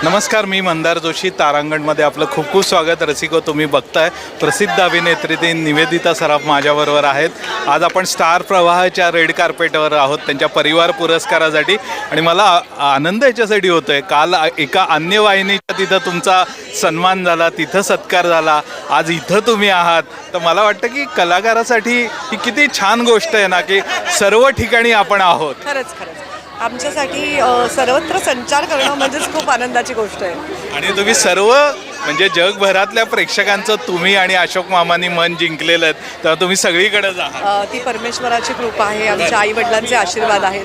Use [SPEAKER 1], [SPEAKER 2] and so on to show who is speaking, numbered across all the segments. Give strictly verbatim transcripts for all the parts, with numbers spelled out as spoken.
[SPEAKER 1] नमस्कार, मी मंदार जोशी. तारांगणमध्ये आपलं खूप खूप स्वागत. रसिको, तुम्ही बघताय प्रसिद्ध अभिनेत्री ती निवेदिता सराफ माझ्याबरोबर आहेत. आज आपण स्टार प्रवाहाच्या रेड कार्पेटवर आहोत त्यांच्या परिवार पुरस्कारासाठी. आणि मला आनंद याच्यासाठी होतो आहे, काल एका अन्य वाहिनीच्या तिथं तुमचा सन्मान झाला, तिथं सत्कार झाला, आज इथं तुम्ही आहात. तर मला वाटतं की कलाकारासाठी ही किती छान गोष्ट आहे ना, की सर्व ठिकाणी आपण आहोत.
[SPEAKER 2] खरंच खरंच आमच्यासाठी सर्वत्र संचार करणं म्हणजेच खूप आनंदाची गोष्ट आहे.
[SPEAKER 1] आणि तुम्ही सर्व म्हणजे जगभरातल्या प्रेक्षकांचं तुम्ही आणि अशोक मामांनी मन जिंकलेलं आहेत, तर तुम्ही सगळीकडेच आहात.
[SPEAKER 2] ती परमेश्वराची कृपा आहे, आमच्या आई वडिलांचे आशीर्वाद आहेत.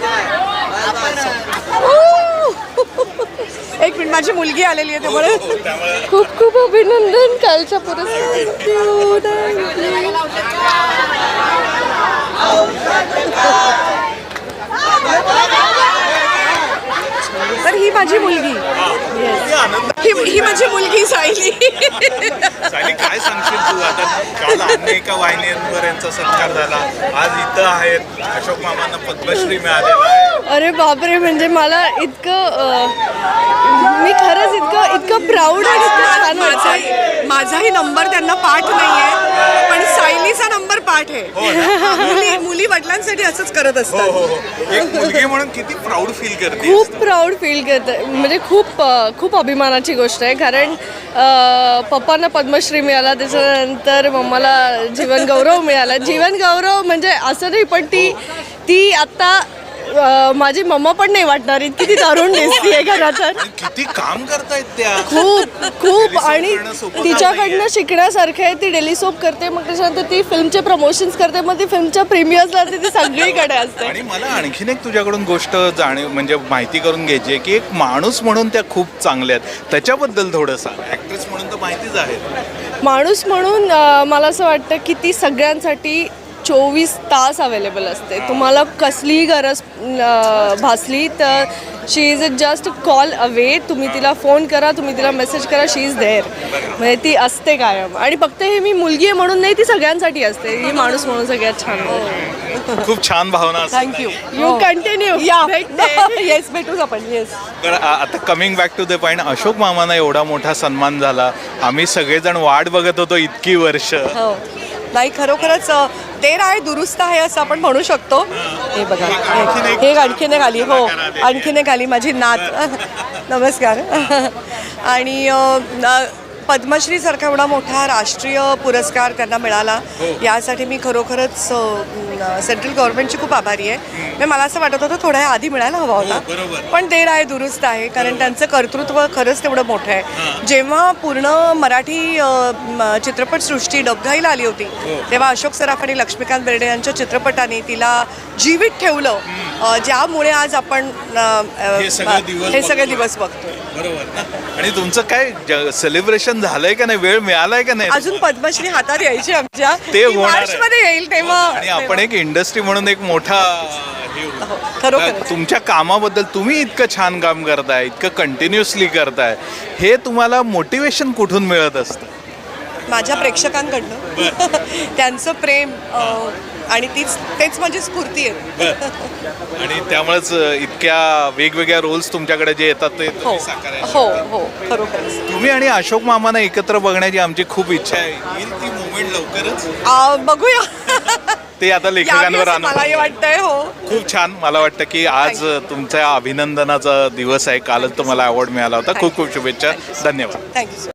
[SPEAKER 2] एक मिनिट, माझी मुलगी आलेली आहे त्यामुळे
[SPEAKER 3] खूप खूप अभिनंदन कालच्या पुरस्कार.
[SPEAKER 2] तर ही माझी मुलगी, ही ही माझी मुलगी सायली.
[SPEAKER 1] सायली, काय सांगशील तू? आता काल अन्य एका वाहिनीवर यांचा सत्कार झाला, आज इथं आहेत, अशोक मामांना पद्मश्री मिळालेला आहे.
[SPEAKER 3] अरे बापरे, म्हणजे मला इतकं अं, मी खरंच इतकं इतकं प्राऊड आणि इतकं छान वाटतं.
[SPEAKER 2] माझाही माझाही नंबर त्यांना पाठ नाहीये, पण सायलीचा नंबर पाठ आहे. मुली मुली वडिलांसाठी असंच करत
[SPEAKER 1] हो
[SPEAKER 2] असतात.
[SPEAKER 1] हो हो. एक मुलगी म्हणून किती प्राऊड फील करते.
[SPEAKER 3] खूप प्राऊड फील करते, म्हणजे खूप अं, खूप अभिमानाची गोष्ट आहे. कारण अं, पप्पांना पद्मश्री मिळाला, त्याच्यानंतर मम्माला जीवन गौरव मिळाला. जीवन गौरव म्हणजे असं नाही, पण ती ती आत्ता अं, माझी मम्मा पण नाही वाटणार इतकी ती तरुण दिसतीये घरात.
[SPEAKER 1] किती काम करतायत त्या.
[SPEAKER 3] खूप खूप
[SPEAKER 1] Daily soap
[SPEAKER 3] आणि
[SPEAKER 1] करणं सोपं
[SPEAKER 3] तिच्याकडनं शिकण्यासारखं आहे. ती डेली सोप करते, मग त्याच्यानंतर ती फिल्मचे प्रमोशन्स करते, मग ती फिल्मच्या प्रीमियर्सला ती सगळीकडे असते.
[SPEAKER 1] आणि मला आणखीन एक तुझ्याकडून गोष्ट जाणीव म्हणजे माहिती करून घ्यायची आहे, की एक माणूस म्हणून त्या खूप चांगल्या आहेत, त्याच्याबद्दल थोडंसं. ॲक्ट्रेस म्हणून तर माहितीच आहे.
[SPEAKER 3] माणूस म्हणून अं, मला असं वाटतं की ती सगळ्यांसाठी चोवीस तास अवेलेबल असते. तुम्हाला कसलीही गरज अं, भासली तर she is a just call away. तुम्ही तिला फोन करा, तुम्ही तिला मेसेज करा, शी इज देअर. म्हणजे ती असते कायम. आणि फक्त हे मी मुलगी आहे म्हणून नाही, ती सगळ्यांसाठी असते. ही माणूस म्हणून सगळ्यात छान आहे.
[SPEAKER 1] खूप छान भावना असतात.
[SPEAKER 2] थँक्यू.
[SPEAKER 3] You continue.
[SPEAKER 2] या येस, भेटूच आपण. येस.
[SPEAKER 1] तर आ- आता coming back to the point, Ashok मामांना एवढा मोठा सन्मान झाला, आम्ही सगळेजण वाट बघत होतो इतकी वर्ष.
[SPEAKER 2] हो, नाही खरोखरच देर आहे दुरुस्त आहे असं आपण म्हणू शकतो. हे बघा, हे- हे आणखीन एक आली. हो, आणखीन एक आली माझी नात. नमस्कार. आणि अ, न- पद्मश्रीसारखा एवढा मोठा राष्ट्रीय पुरस्कार त्यांना मिळाला, यासाठी मी खरोखरच सेंट्रल गव्हर्नमेंटची खूप आभारी आहे. म्हणजे मला असं वाटत होतं थोड्या आधी मिळायला हवा होता, पण देर आहे दुरुस्त आहे. कारण त्यांचं कर्तृत्व खरंच तेवढं मोठं आहे. जेव्हा पूर्ण मराठी अ, म, चित्रपटसृष्टी डबघाईला आली होती, तेव्हा अशोक सराफ आणि लक्ष्मीकांत बेर्डे यांच्या चित्रपटाने तिला जीवित ठेवलं, अ, ज्यामुळे आज आपण अ, अ,
[SPEAKER 1] हे सगळे दिवस
[SPEAKER 2] हे सगळे
[SPEAKER 1] बघतोय.
[SPEAKER 2] दिवस बघतोय.
[SPEAKER 1] बरोबर. आणि तुमचं काय सेलिब्रेशन झालंय का नाही? वेळ मिळालाय का नाही?
[SPEAKER 2] अजून पद्मश्री हातात यायची आमच्या,
[SPEAKER 1] ते होणार आहे.
[SPEAKER 2] मार्च मध्ये येईल तेव्हा.
[SPEAKER 1] आणि आपण एक इंडस्ट्री म्हणून एक मोठा हे होतो.
[SPEAKER 2] हो, खरोखर.
[SPEAKER 1] तुमच्या कामाबद्दल, तुम्ही इतकं छान काम करताय, इतकं कंटिन्युअसली करताय, हे तुम्हाला मोटिवेशन कुठून मिळत असतं?
[SPEAKER 2] माझ्या प्रेक्षकांकडनं त्यांचं प्रेम, अ, आणि तीच तेच माझी स्फूर्ती आहे.
[SPEAKER 1] आणि त्यामुळेच इतक्या वेगवेगळ्या रोल्स तुमच्याकडे जे येतात ते
[SPEAKER 2] हो
[SPEAKER 1] तुम्ही साकारायचे.
[SPEAKER 2] हो हो खरोखरच.
[SPEAKER 1] तुम्ही आणि अशोक मामांना एकत्र बघण्याची आमची खूप इच्छा आहे. येईल ती मुवमेंट लवकरच.
[SPEAKER 2] आ, बघूया.
[SPEAKER 1] ते आता
[SPEAKER 2] यावी
[SPEAKER 1] लेखकांवर
[SPEAKER 2] असं
[SPEAKER 1] आणून.
[SPEAKER 2] मलाही वाटतंय. हो,
[SPEAKER 1] खूप छान. मला वाटतं की आज तुमच्या अभिनंदनाचा दिवस आहे. कालच तुम्हाला अवॉर्ड मिळाला होता. खूप खूप शुभेच्छा. धन्यवाद.
[SPEAKER 2] थँक्यू.